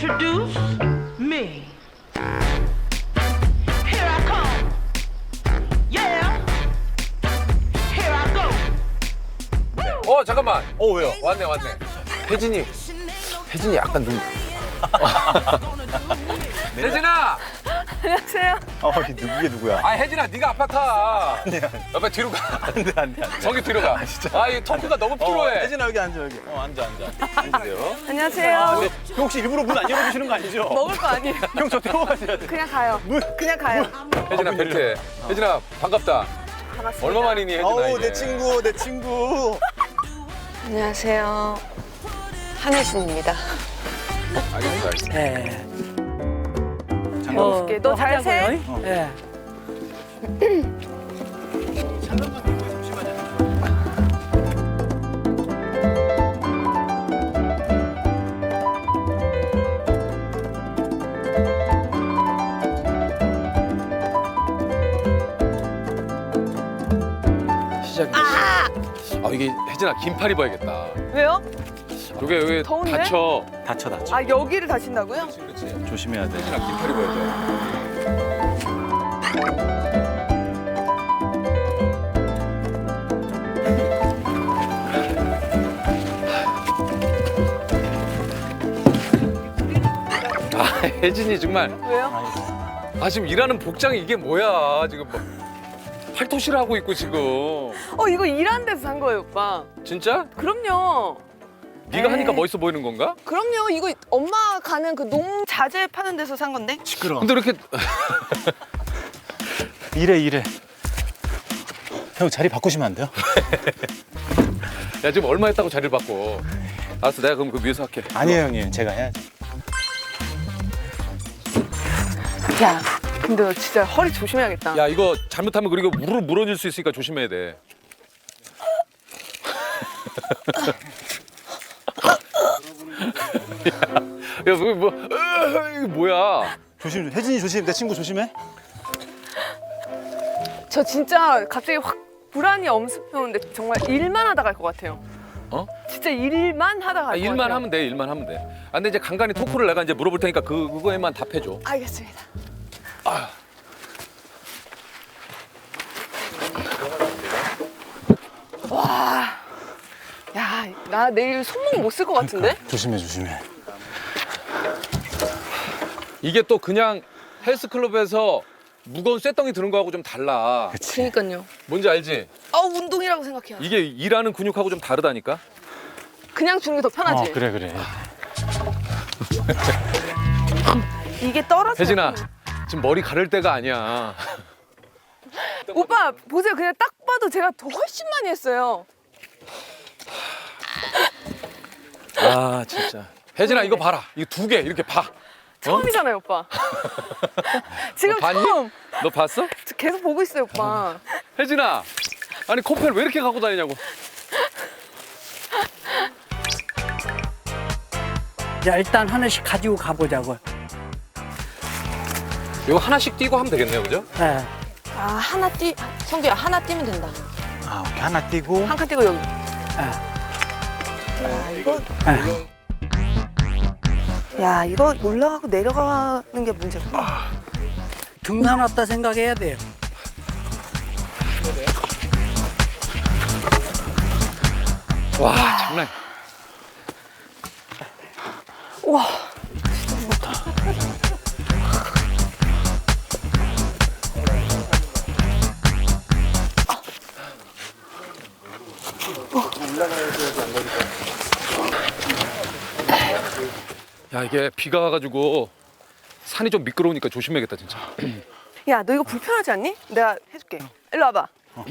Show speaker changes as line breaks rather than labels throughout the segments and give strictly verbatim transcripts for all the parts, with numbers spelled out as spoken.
introduce me. Here I come. Yeah. Here I go.
어 잠깐만.
어 왜요?
왔네 왔네. 혜진이. 혜진이 약간 눈. 혜진아.
안녕하세요.
어 이게 누구게 누구야?
아 혜진아 네가 앞에 타.
아니야.
옆에 뒤로 가.
안돼 안돼 안돼.
저기 뒤로 가.
진짜.
아 이 토크가 너무 필요해.
혜진아 여기 앉아 여기. 어 앉아 앉아. 앉으세요.
안녕하세요.
근데 형 혹시 일부러 문 안 열어주시는 거 아니죠?
먹을 거 아니에요.
형 저 태워가셔야 돼.
그냥 가요.
문.
그냥 가요.
혜진아 벨트. 혜진아 반갑다.
반갑습니다.
얼마 만이니 혜진아
어우
이게.
내 친구 내 친구.
안녕하세요. 한혜진입니다.
알겠어 알겠어.
네.
장갑.
어, 너 잘 세?
어.
예.
시작이네. 아! 아 이게 혜진아 긴팔 입어야겠다.
왜요?
여기 여기
더운데?
다쳐.
다쳐 다쳐.
아 여기를 다친다고요?
그렇지.
조심해야 돼.
혜진아 긴팔 입어야 돼. 아 혜진이 정말
왜요?
아 지금 일하는 복장이 이게 뭐야 지금 뭐 팔토시를 하고 있고 지금
어 이거 일하는 데서 산 거예요, 오빠.
진짜?
그럼요.
네가
에이.
하니까 멋있어 보이는 건가?
그럼요. 이거 엄마 가는 그 농 자재 파는 데서 산 건데.
시끄러.
근데 이렇게
이래 이래. 형 자리 바꾸시면 안 돼요?
야 지금 얼마 했다고 자리를 바꿔 알았어 내가 그럼 그 위에서 할게
아니에요 형님 제가 해야죠.
야, 근데 너 진짜 허리 조심해야겠다.
야 이거 잘못하면 그리고 무릎 무너질 수 있으니까 조심해야 돼 야, 야, 뭐, 뭐, 으, 이게 뭐야?
조심. 혜진이 조심. 내 친구 조심해.
저 진짜 갑자기 확 불안이 엄습해 오는데 정말 일만 하다 갈 것 같아요.
어?
진짜 일만 하다 갈 것
아,
같아요.
일만 하면 돼, 일만 하면 돼. 아, 근데 이제 간간히 토크를 내가 이제 물어볼 테니까 그 그거에만 답해줘.
알겠습니다. 와, 야, 나 내일 손목 못 쓸 것 같은데?
조심해 조심해.
이게 또 그냥 헬스클럽에서 무거운 쇳덩이 드는 거하고 좀 달라.
그치.
그러니까요.
뭔지 알지?
아, 운동이라고 생각해요.
이게 일하는 근육하고 좀 다르다니까.
그냥 주는 게 더 편하지.
어 그래 그래.
이게 떨어져.
혜진아, 지금 머리 가를 때가 아니야.
오빠 보세요. 그냥 딱 봐도 제가 더 훨씬 많이 했어요.
아, 진짜. 혜진아, 이거 봐라. 이거 두 개 이렇게 봐.
처음이잖아요, 오빠. 지금
너 봤니?
처음.
너 봤어?
저 계속 보고 있어요, 오빠.
혜진아, 아니 코펠 왜 이렇게 갖고 다니냐고.
자, 일단 하나씩 가지고 가보자고.
이거 하나씩 띄고 하면 되겠네요, 그죠?
예.
아, 하나 띄, 성규야, 하나 띄면 된다.
아 오케이 하나 띄고.
한 칸 띄고 여기.
예.
야, 이거,
예.
야, 이거 올라가고 내려가는 게 문제구나.
등산 왔다 생각해야 돼요.
와, 장난.
우와.
야, 이게 비가 와가지고 산이 좀 미끄러우니까 조심해야겠다, 진짜.
야, 너 이거 불편하지 않니? 내가 해줄게. 일로 와봐.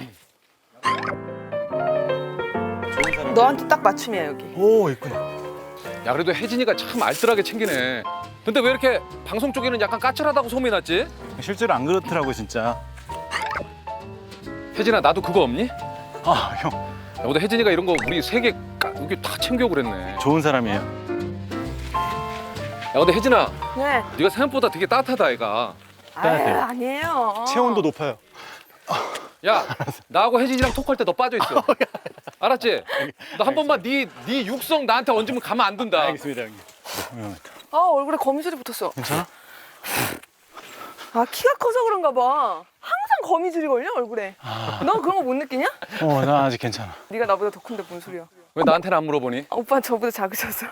너한테 딱 맞춤이야, 여기.
오 있구나.
야, 그래도 혜진이가 참 알뜰하게 챙기네. 근데 왜 이렇게 방송 쪽에는 약간 까칠하다고 소문이 났지?
실제로 안 그렇더라고 진짜.
혜진아, 나도 그거 없니? 야,
아 형
근데 혜진이가 이런 거 우리 세 개 여기 다 챙겨 그랬네.
좋은 사람이에요.
야, 근데 혜진아,
네.
네가 생각보다 되게 따뜻하다, 애가.
빼야 돼요.
아유, 아니에요.
체온도 높아요.
야, 나하고 혜진이랑 톡할 때 너 빠져 있어. 알았지? 너 한 번만 네, 네 육성 나한테 얹으면 가만 안 둔다.
알겠습니다 형님. 어,
아 얼굴에 거미줄이 붙었어.
괜찮아?
아 키가 커서 그런가 봐. 항상 거미줄이 걸려 얼굴에. 너 그런 거 못 느끼냐?
어, 나 아직 괜찮아.
네가 나보다 더 큰데 뭔 소리야?
왜 나한테는 안 물어보니?
아, 오빠 저보다 작으셔서.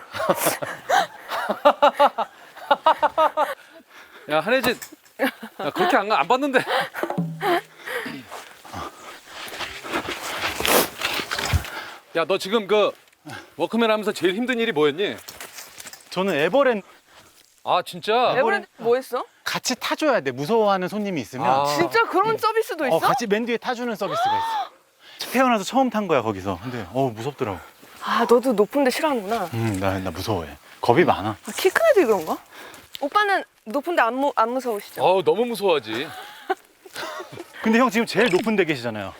야 한혜진, 야, 그렇게 안, 안 봤는데. 야 너 지금 그 워크맨 하면서 제일 힘든 일이 뭐였니?
저는 에버랜드
아 진짜?
에버랜드 뭐 했어?
같이 타줘야 돼. 무서워하는 손님이 있으면.
아.
진짜 그런 서비스도 있어?
어, 같이 맨 뒤에 타주는 서비스가 있어. 태어나서 처음 탄 거야 거기서. 근데 어 무섭더라고.
아 너도 높은 데 싫어하는구나.
음, 나, 나 무서워해. 겁이 많아.
아, 키 큰 애들이 그런가? 오빠는 높은 데 안 무, 안 무서우시죠?
어우 너무 무서워하지.
근데 형 지금 제일 높은 데 계시잖아요.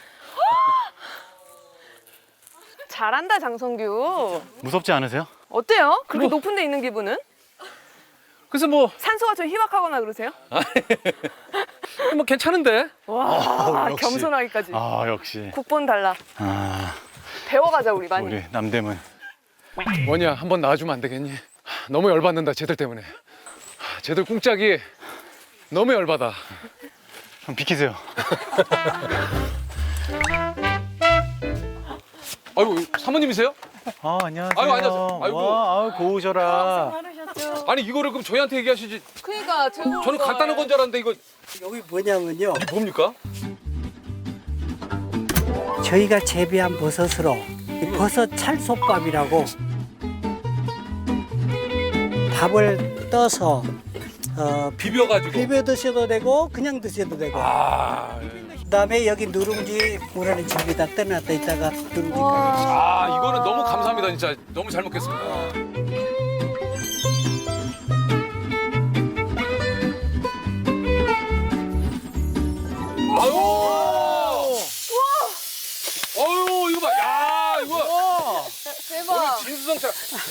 잘한다 장성규.
무섭지 않으세요?
어때요? 그렇게
뭐.
높은 데 있는 기분은?
그래서 뭐,
산소가 좀 희박하거나 그러세요?
뭐 괜찮은데?
와
역시.
겸손하기까지.
아 역시.
국본 달라.
아
배워가자 우리 많이.
우리 남대문.
원이야 한번 나와주면 안 되겠니? 너무 열받는다 쟤들 때문에. 쟤들 꿍짝이 너무 열받아.
형 비키세요.
아이고 사모님이세요?
아 안녕하세요.
아이고, 안녕하세요. 아이고.
와, 아유 고우셔라.
아니 이거를 그럼 저희한테 얘기하시지.
그러니까 제가
저는 간단한 건 줄 알았는데 이거
여기 뭐냐면요.
이게 뭡니까?
저희가 재배한 버섯으로 이 버섯 찰솥밥이라고 밥을 떠서 어,
비벼가지고.
비벼 드셔도 되고 그냥 드셔도 되고
아,
그다음에 여기 누룽지 뭐라는 집에다 떠놨다 있다가 누룽지까지
아 이거는 너무 감사합니다 진짜. 너무 잘 먹겠습니다. 아유. 아유 이거 봐. 야 이거.
대박.
오늘 진수성찬.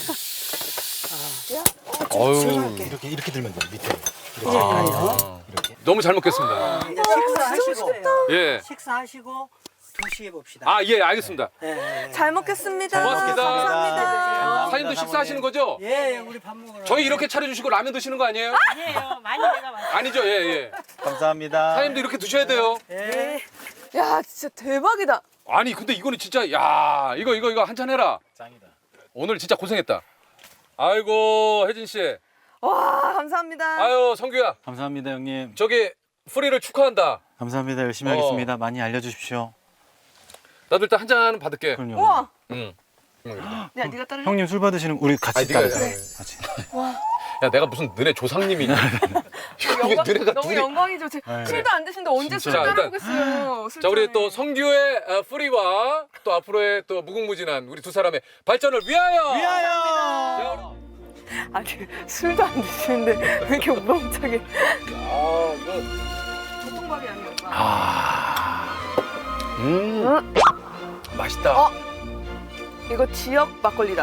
아유.
이렇게 이렇게 들면 돼 밑에.
아,
너무 잘 먹겠습니다.
이제 식사하시고
예.
식사하시고 두 시에 봅시다.
아 예 알겠습니다.
예, 예.
잘 먹겠습니다.
고맙습니다.
감사합니다.
사장님도 식사하시는 거죠?
예, 예, 우리 밥 먹으러.
저희 이렇게 차려주시고 라면 드시는 거 아니에요?
아니에요. 많이 내가 많이.
아니죠, 예, 예.
감사합니다.
사장님도 이렇게 드셔야 돼요.
예.
야 진짜 대박이다.
아니, 근데 이거는 진짜, 야, 이거, 이거, 이거 한잔 해라.
짱이다.
오늘 진짜 고생했다. 아이고, 혜진 씨.
와 감사합니다.
아유, 성규야.
감사합니다 형님.
저기, 프리를 축하한다.
감사합니다. 열심히
어.
하겠습니다. 많이 알려주십시오.
나도 일단 한잔 받을게.
그럼요.
우와.
응.
야 네가 따르.
형님 술 받으시는 우리 같이
아니, 네가
따르자.
해.
같이.
야, 내가 무슨 너네 조상님이냐. 이거
영광,
너네가
너무
둘이.
영광이죠. 제
네.
술도 안 드시는데 언제 술
진짜.
따라보겠어요.
자, 우리 또 성규의 어, 프리와 또 앞으로의 또 무궁무진한 우리 두 사람의 발전을 위하여.
위하여.
자,
아니 술도 안 드시는데 왜 이렇게 우렁차게.
아, 이거.
보통밥이 아니었다.
아. 음.
응?
맛있다.
어? 이거 지역 막걸리다.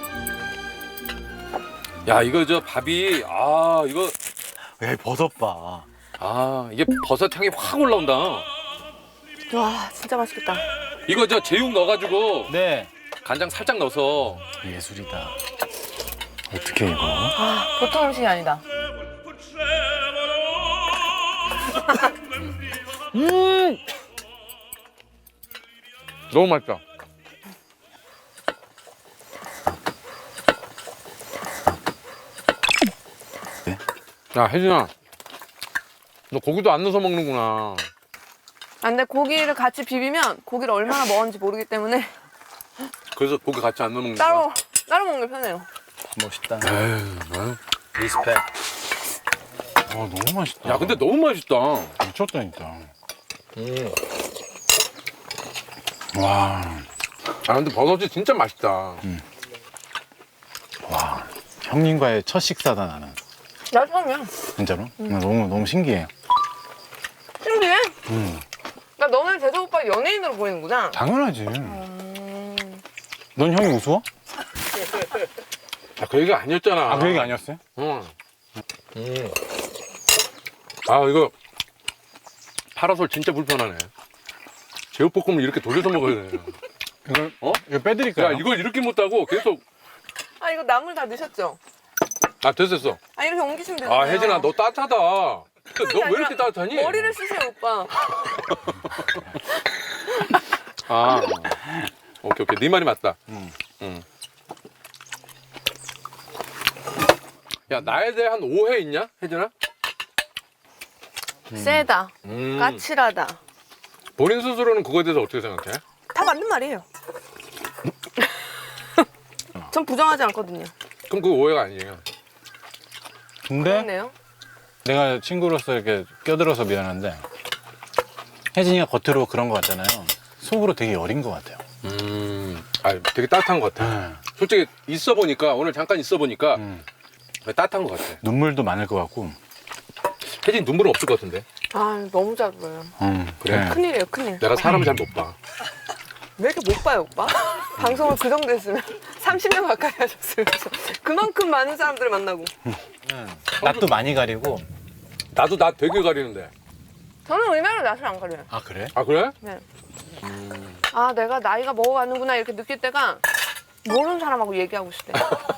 야, 이거 저 밥이 아, 이거
야 버섯 봐.
아, 이게 버섯 향이 확 올라온다.
와 진짜 맛있겠다.
이거 저 제육 넣어 가지고
네.
간장 살짝 넣어서
예술이다. 어떻게 이거?
아 보통 음식이 아니다.
음! 너무 맛있다.
네?
야, 혜진아. 너 고기도 안 넣어서 먹는구나.
아, 근데 고기를 같이 비비면 고기를 얼마나 먹었는지 모르기 때문에
그래서 고기 같이 안 넣어 먹는 거야?
따로 따로 먹는 게 편해요.
멋있다.
에휴, 아유.
리스펙. 아 너무 맛있다.
야, 근데 너무 맛있다.
미쳤다니까.
음.
와.
아, 근데 버섯이 진짜 맛있다.
와. 형님과의 첫 식사다 나는.
나 처음이야.
진짜로? 나 너무 너무 신기해.
신기해?
음.
나 너는 재석 오빠 연예인으로 보이는구나.
당연하지.
음...
넌 형이 우스워?
아, 그 얘기 아니었잖아.
아 그 얘기 아니었어요?
응. 음. 아, 이거 파라솔 진짜 불편하네. 제육볶음을 이렇게 돌려서 먹어야 돼.
이걸
어?
이거 빼드릴까요?
야, 이걸 이렇게 못하고 계속
아 이거 나물 다 넣으셨죠?
아 됐어 됐어.
아 이렇게 옮기시면 되잖아요.
아 혜진아 너 따뜻하다. 너 왜
아니라
이렇게 따뜻하니?
머리를 쓰세요 오빠.
아 오케이 오케이 네 말이 맞다. 응. 응. 야 나에 대한 오해 있냐 혜진아?
세다.
음.
까칠하다.
본인 스스로는 그거에 대해서 어떻게 생각해?
다 맞는 말이에요. 전 부정하지 않거든요.
그럼 그거 오해가 아니에요.
근데
그렇네요.
내가 친구로서 이렇게 껴들어서 미안한데 혜진이가 겉으로 그런 거 같잖아요. 속으로 되게 여린 것 같아요.
음, 아 되게 따뜻한 것 같아.
네.
솔직히 있어 보니까 오늘 잠깐 있어 보니까
음.
따뜻한 것 같아.
눈물도 많을 것 같고.
혜진 눈물은 없을 것 같은데.
아 너무 잘 보여요.
음,
그래?
네.
큰일이에요 큰일.
내가 사람 잘 못 봐.
왜 이렇게 못 봐요 오빠? 방송을 그 정도 했으면 삼십 년 가까이 하셨으면서 그만큼 많은 사람들을 만나고.
낯도 많이 가리고.
나도 나 되게 가리는데.
저는 의외로 낯을 안 가려요.
아 그래?
아 그래?
네. 아 내가 나이가 먹어가는구나 이렇게 느낄 때가 모르는 사람하고 얘기하고 있을 때.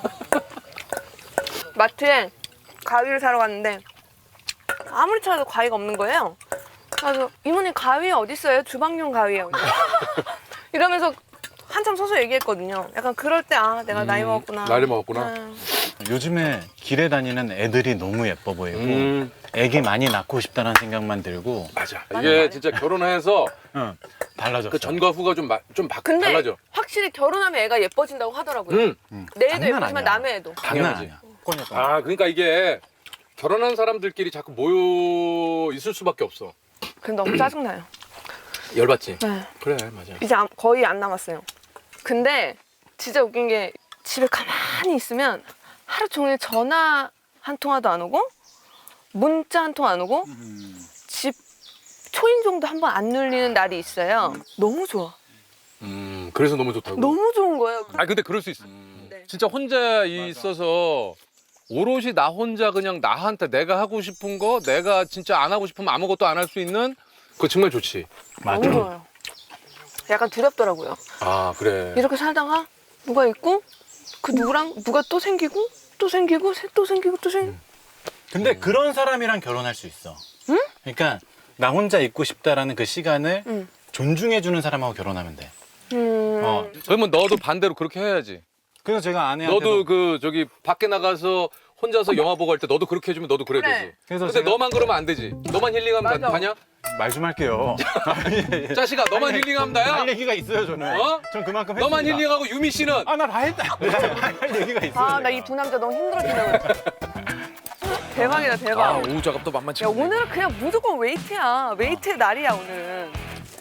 마트에 가위를 사러 갔는데 아무리 찾아도 가위가 없는 거예요. 그래서 이모님 가위 어디 있어요? 주방용 가위요. 이러면서 한참 서서 얘기했거든요. 약간 그럴 때 아 내가 나이
음,
먹었구나.
나이 먹었구나.
아,
요즘에 길에 다니는 애들이 너무 예뻐 보이고
음,
애기 많이 낳고 싶다는 생각만 들고.
맞아.
맞아,
이게
맞아.
진짜 결혼해서
응, 달라졌어.
그 전과 후가 좀, 마, 좀 바,
근데
달라져.
확실히 결혼하면 애가 예뻐진다고 하더라고요.
음.
내 애도
장난
예쁘지만
아니야.
남의 애도.
장난
당연하지.
아니야. 꼬녀.
아 그러니까 이게 결혼한 사람들끼리 자꾸 모여 있을 수밖에 없어.
그럼 너무 짜증나요.
열받지?
네.
그래 맞아.
이제 안- 거의 안 남았어요. 근데 진짜 웃긴 게 집에 가만히 있으면 하루 종일 전화 한 통화도 안 오고 문자 한 통 안 오고 집 초인종도 한 번 안 눌리는 날이 있어요. 너무 좋아.
음 그래서 너무 좋다고.
너무 좋은 거예요.
아 근데 그럴 수 있어.
네.
진짜 혼자 있어서 오롯이 나 혼자 그냥 나한테 내가 하고 싶은 거, 내가 진짜 안 하고 싶으면 아무것도 안 할 수 있는.
그거 정말 좋지.
맞아.
너무 좋아요. 약간 두렵더라고요.
아 그래.
이렇게 살다가 누가 있고 그 누구랑 누가 또 생기고 또 생기고 새- 또 생기고 또 생기고.
근데 그런 사람이랑 결혼할 수 있어.
응?
그러니까 나 혼자 있고 싶다라는 그 시간을
응.
존중해주는 사람하고 결혼하면 돼.
음.
어.
그러면 너도 반대로 그렇게 해야지.
그래서 제가 아내한테도
너도 그 저기 밖에 나가서 혼자서 영화 보고 할 때 너도 그렇게 해주면 너도 그래
그래.
되지.
그래서
근데
제가-
너만 그러면 안 되지. 너만 힐링하면
맞아.
다, 다냐?
말 좀 할게요.
자식아 너만 힐링하면 다야?
할 얘기가 있어요 저는.
어?
전 그만큼 했습니다.
너만 힐링하고 유미 씨는
아나 다 했다. 할 얘기가 있어요.
아, 나
제가.
이 두 남자 너무 힘들어진다고. 대박이다, 대박.
아 오후 작업도 만만치
야,
않네.
오늘은 그냥 무조건 웨이트야. 웨이트의 날이야, 오늘은.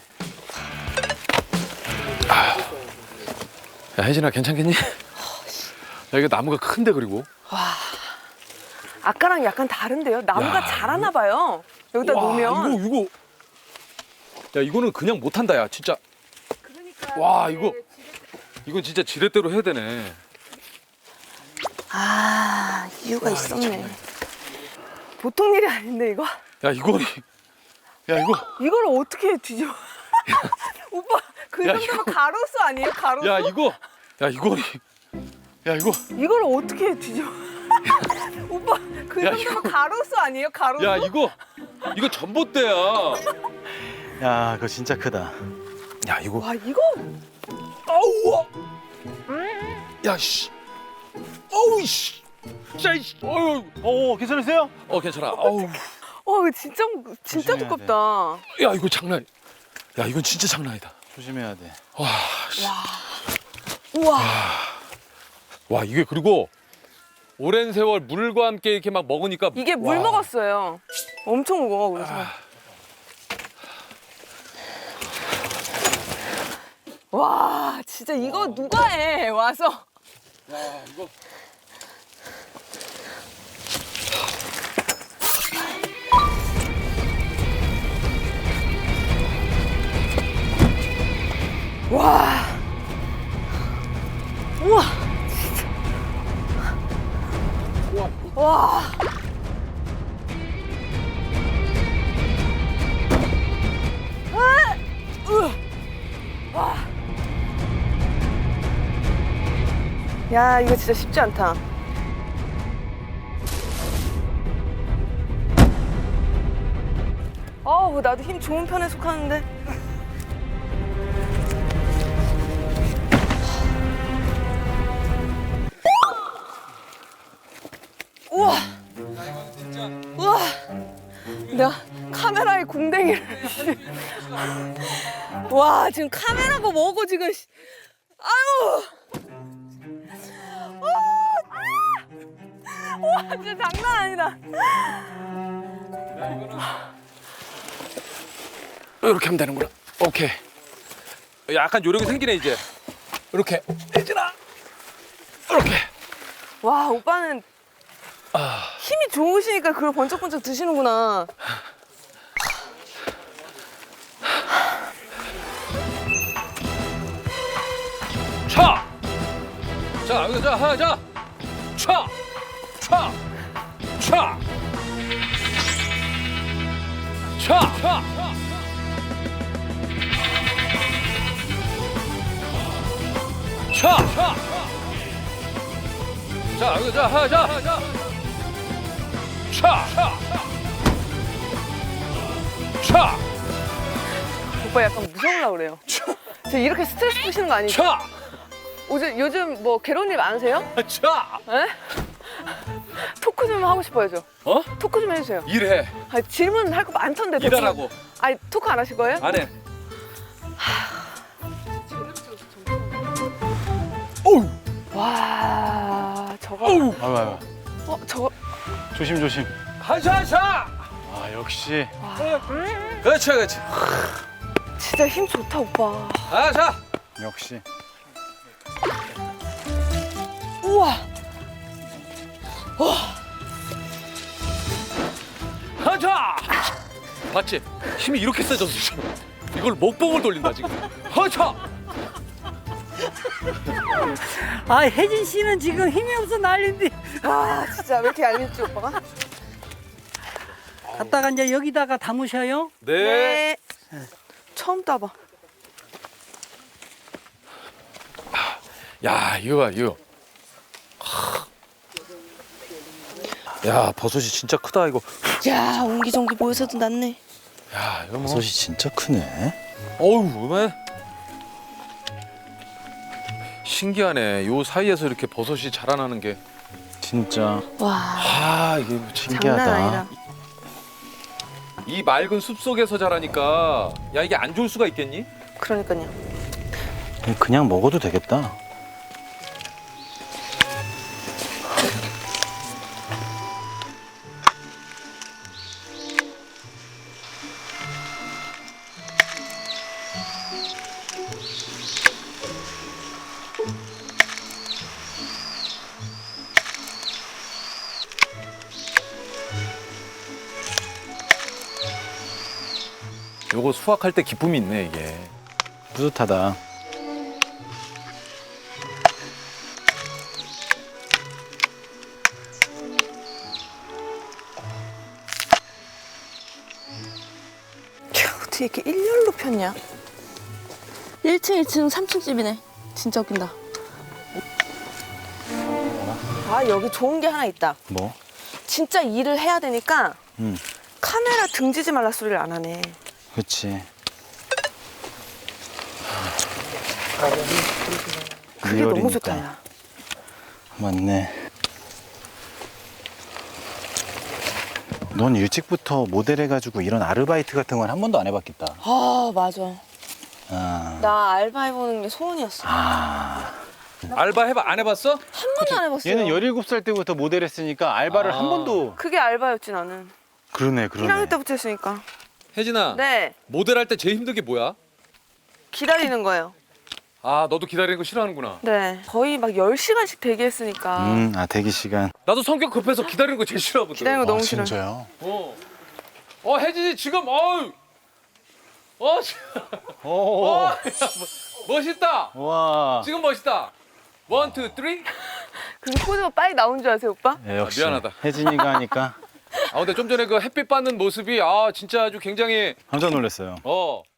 야 혜진아 괜찮겠니? 야 이거 나무가 큰데 그리고.
아까랑 약간 다른데요? 나무가
야,
자라나 봐요. 여기다
와,
놓으면.
이거 이거. 야 이거는 그냥 못한다 야 진짜.
그러니까
와 이거. 이건 진짜 지렛대로 해야 되네.
아, 이유가 있었네. 보통 일이 아닌데, 이거?
야 이거. 야 이거.
이걸 어떻게 뒤집어. 오빠, 그
야,
정도면
이거-
가로수 아니에요? 가로수?
야 이거. 야 이거. 야 이거.
이걸 어떻게 뒤집어. 오빠, 그
야,
정도면
이거-
가로수 아니에요? 가로수?
야 이거. 이거 전봇대야.
야 그거 진짜 크다.
야 이거.
와, 이거?
아우. 야 씨. 어우 씨. 진짜 이 씨. 어유.
오 괜찮으세요?
어 괜찮아. 어우.
와, 이거 진짜, 진짜
조심해야
두껍다.
야 이거 장난. 야 이건 진짜 장난 아니다.
조심해야 돼.
와. 씨.
우와.
와 이게 그리고 오랜 세월 물과 함께 이렇게 막 먹으니까
이게 물
와.
먹었어요. 엄청 무거워, 그래서. 와, 진짜 이거 누가 해, 와서.
이거
와. 우와. 진짜. 와. 아! 으. 와. 야, 이거 진짜 쉽지 않다. 아우 나도 힘 좋은 편에 속하는데. 우와. 우와. 내가 카메라에 궁뎅이를. 와 지금 카메라가 뭐고 지금. 아유. 와 진짜 장난 아니다.
이렇게 하면 되는구나. 오케이.
약간 요령이 생기네 이제.
이렇게. 혜진아. 이렇게.
와 오빠는 힘이 좋으시니까 그걸 번쩍번쩍 드시는구나.
차. 자 여기 자 하자. 차. 차. 차. 차. 차. 차. 차. 자 여기 자 하자. 차. 차. 차.
오빠 약간 무서우려고 그래요. 저 이렇게 스트레스 푸시는 거 아니죠?
차.
요즘, 요즘 뭐 괴로운 일 많으세요?
차.
에? 토크 좀 하고 싶어요 저.
어?
토크 좀 해주세요.
일해.
아, 질문 할 거 많던데. 토크.
일하라고.
아니 토크 안 하실 거예요?
안 해.
와 저거.
아유, 아유.
어 저거.
조심 조심.
하자 차.
아 역시.
그렇지 그렇지.
진짜 힘 좋다 오빠.
하자.
역시.
우와.
하자. 봤지? 힘이 이렇게 세졌어 지금. 이걸 목봉을 돌린다 지금. 하자.
아 혜진 씨는 지금 힘이 없어 난린데.
아 진짜 왜 이렇게 얄밉지 오빠가?
갔다가 이제 여기다가 담으셔요.
네.
처음 따봐.
야 이거 봐 이거. 야 버섯이 진짜 크다 이거.
야 옹기종기 모여서도 낫네.
야 이거 뭐.
버섯이 진짜 크네.
어우 왜? 신기하네. 요 사이에서 이렇게 버섯이 자라나는 게.
진짜.
와
아 이게 뭐 참-
장난 아니다.
이 맑은 숲 속에서 자라니까 야 이게 안 좋을 수가 있겠니?
그러니까요.
그냥 먹어도 되겠다.
요거 수확할 때 기쁨이 있네 이게.
뿌듯하다.
어떻게 이렇게 일렬로 폈냐? 일 층, 이 층, 삼 층 집이네. 진짜 웃긴다. 아 여기 좋은 게 하나 있다.
뭐?
진짜 일을 해야 되니까
응.
카메라 등지지 말라 소리를 안 하네.
그렇지.
그게 너무
리얼이니까.
좋다. 야.
맞네. 넌 일찍부터 모델 해가지고 이런 아르바이트 같은 건 한 번도 안 해봤겠다.
아 맞아.
아.
나 알바 해보는 게 소원이었어.
아.
알바 해봐 안 해봤어?
한 번도 안 해봤어요.
얘는 열일곱 살 때부터 모델 했으니까 알바를
아.
한 번도.
그게 알바였지 나는.
그러네, 그러네.
일 학년 때부터 했으니까.
혜진아.
네.
모델 할 때 제일 힘든 게 뭐야?
기다리는 거예요.
아 너도 기다리는 거 싫어하는구나.
네. 거의 막 열 시간씩 대기했으니까.
음, 아, 대기 시간.
나도 성격 급해서 기다리는 거 제일 싫어하거든.
기다리는 거 너무 싫어.
진짜요?
어. 어 혜진이 지금 어우. 어. 지-
오.
어. 야, 뭐- 멋있다.
와.
지금 멋있다. 원, 투, 쓰리.
그게 포즈가 빨리 나온 줄 아세요, 오빠?
예, 역시.
아, 미안하다.
혜진이가 하니까
아 근데 좀 전에 그 햇빛 받는 모습이 아 진짜 아주 굉장히
깜짝 놀랐어요.
어